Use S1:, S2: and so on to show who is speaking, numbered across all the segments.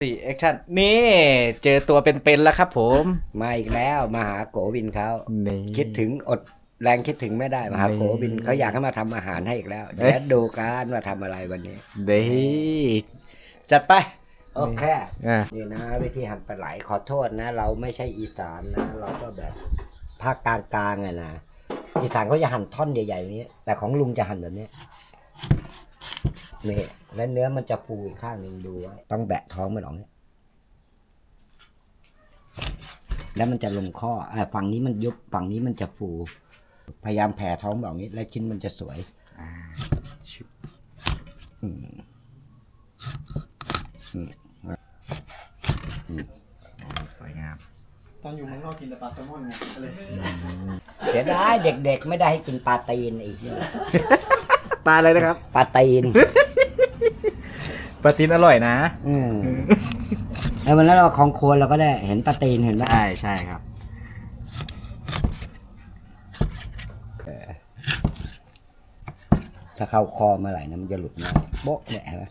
S1: สี่แอคชั่นนี่เจอตัวเป็นๆแล้วครับผม
S2: มาอีกแล้วมาหาโกวินเขา
S1: นี่
S2: คิดถึงอดแรงคิดถึงไม่ได้มาหาโกวินเขาอยากให้มาทำอาหารให้อีกแล้วเดี๋ยวดูกันว่าทำอะไรวันนี้
S1: เด้จัดไป
S2: โอเค
S1: อ่ะ
S2: นี่นะวิธีหั่นปลาไหลขอโทษนะ เราไม่ใช่อีสานนะ เราก็แบบภาคกลางๆไงนะอีสานเขาจะหั่นท่อนใหญ่ๆนี้ แต่ของลุงจะหั่นแบบนี้นี่แล้วเนื้อมันจะฟูอีกข้างหนึ่งดูไว้ต้องแบะท้องมันออกเนี่ยแล้วมันจะลงข้อฝั่งนี้มันยุบฝั่งนี้มันจะฟูพยายามแผ่ท้องแบบนี้แล้วชิ้นมันจะสวย
S1: สวยงาม
S3: ตอนอยู่เมืองนอกกินแต่ปลาแซลมอนไงก็เลย
S2: เสียดายเด็กๆไม่ได้ให้กินปลาตีนอีกเนี่ย
S1: ปลาอะไรนะครับ
S2: ปลาตีน
S1: ปลาตีนอร่อยนะ
S2: แล้ววันนั้นเราของควรเราก็ได้เห็นปลาตีนเห็นไหม
S1: ใช่ใช่ครับ
S2: ถ้าเข้าคอเมื่อไหร่นะมันจะหลุดมาโบ๊ะเนี่ยเห็นไหม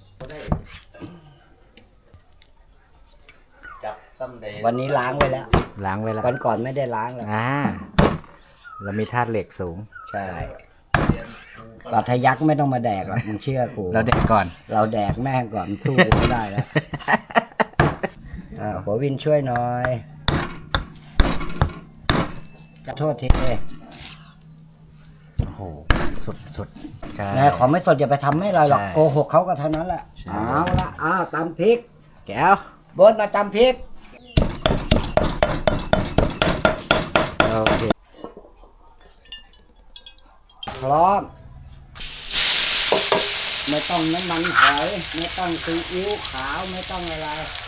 S2: วันนี้ล้างไว้แล้ว
S1: ล้างไว้แล้ว
S2: วันก่อนไม่ได้ล้างแล้ว
S1: เรามีธาตุเหล็กสูง
S2: ใช่ปลาทะยักไม่ต้องมาแดกหรอกมึงเชื่อกู
S1: เราเด็กก่อน
S2: เราแดกแม่งก่อนสู้กูไม่ได้แล้วหัววินช่วยหน่อยขอโทษที
S1: โอ้โหสุดใช่
S2: นะของไม่สดอย่าไปทำให้เราหรอก
S1: ใช่
S2: โกหกเขาก็เท่านั้นแหละ
S1: ใช่
S2: เอาละตำพริก
S1: แก้ว
S2: บดมาตำพริกโอเคพร้อมไม่ต้องน้ำมันหอยไม่ต้องซีอิ๊วขาวไม่ต้องอะไร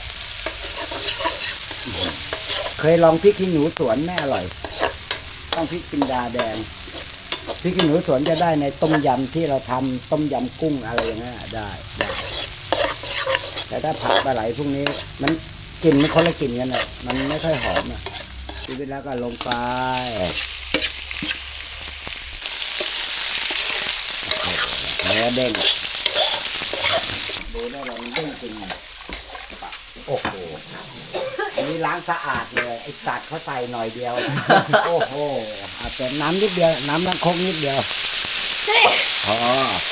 S2: เคยลองพริกขี้หนูสวนแม่อร่อย ต้องพริกจินดาแดงพริกขี้หนูสวนจะได้ในต้มยำที่เราทำต้มยำกุ้งอะไรอย่างเงี้ยได้ แต่ถ้าผักปลาไหลพวกนี้มันกลิ่นมันคนละกลิ่นกันอ่ะมันไม่ค่อยหอมอ่ะชีวิตแล้วก็ลงไปเนื้อเด้งดูได้เลยมันเด้งจริงโอ้โหอันนี้ล้างสะอาดเลยไอ้สัตว์เขาใส่หน่อยเดียว โอ้โหอาจจะน้ำนิดเดียวน้ำล้างครกนิดเดียวพอ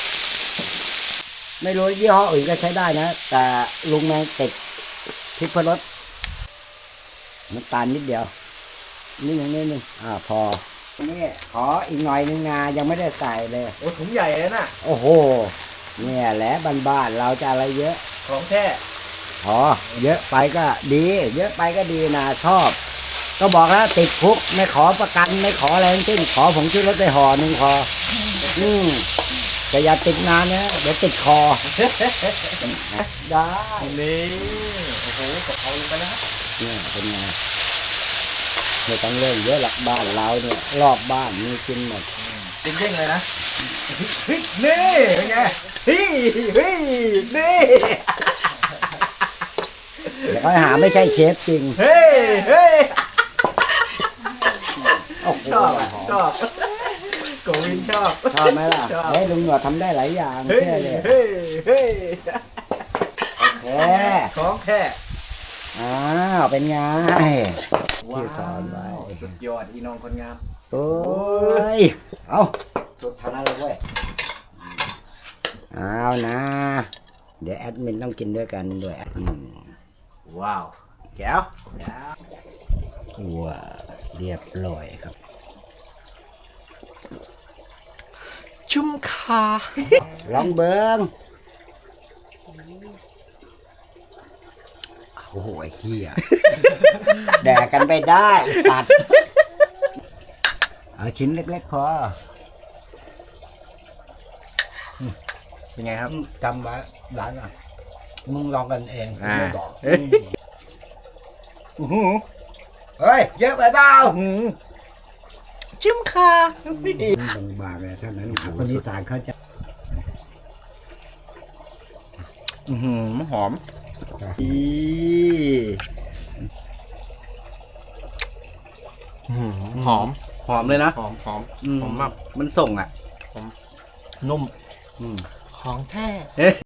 S2: ไม่รู้ยี่ห้ออื่นก็ใช้ได้นะแต่ลุงแมงติดพริกพรสน้ำตาลนิดเดียวนิดหนึ่งพอนี่ขออีกหน่อยนึงนายังไม่ได้ใส่เลย
S3: โอ้ถุงใหญ่เลยน่ะ
S2: โอ้โหเนี่ยแหละบ้านๆเราจะอะไรเยอะ
S3: ของแท้
S2: เยอะไปก็ดี เยอะไปก็ดีนะชอบ ก็บอกแล้วติดคุกไม่ขอประกันไม่ขออะไรทั้งสิ้นขอผงชูรสไปห่อหนึ่งพอแต่อย่าติดนานนะเดี๋ยวติดคอ ได้
S3: นี่โอ้โหกับเขาลงไปแล้ว
S2: เนี่ยเป็นไงไม่ต้องเล่นเยอะหลักบ้านเราเนี่ยรอบบ้านมีกินหมด
S3: เด้งๆเลยนะเฮ้ยนี่เป็นไงเฮ้ยนี่
S2: เดี๋ยวเขาหาไม่ใช่เชฟจริง
S3: เฮ้ย
S2: โอ้โห
S3: ชอบโกวินชอบ
S2: ชอบไหมล่ะ
S3: ชอบ
S2: เฮ้ยลุงหนวดทำได้หลายอย่าง
S3: เฮ้ย
S2: เชื่อเลย
S3: เฮ้ย
S2: โอเค
S3: ของแท้
S2: เป็นไงที่สอนไว้
S3: สุดยอดอีน้องคนงาม
S2: โอ้ยเอาสุดทางนั้นเลยเว้ยเอานะ เดี๋ยวแอดมินต้องกินด้วยกันด้วย
S1: ว้าวแก้ว
S2: ว้าเรียบร้อยครับ
S1: ชุ่มคา
S2: ลองเบิ้งโอ้โหไอ้เหี้ย แดกกันไปได้ตัดเอาชิ้นเล็กๆพอ
S1: เป็นไงครับ
S2: จำไว้หลานอ่ะมึงลองกันเองไม่บอก
S1: เฮ้ย
S2: เฮ้ยเยอะไปเปล่า
S1: ชุ่มคา
S2: บางๆเลยเท่านั้นคนอีสานเขาจะ
S1: หอมหอมเลยนะ
S3: หอม
S1: หอมแบบมันส่งอ่ะ
S3: นุ่ม
S2: อืม
S3: ของแท้
S1: เอ๊ะ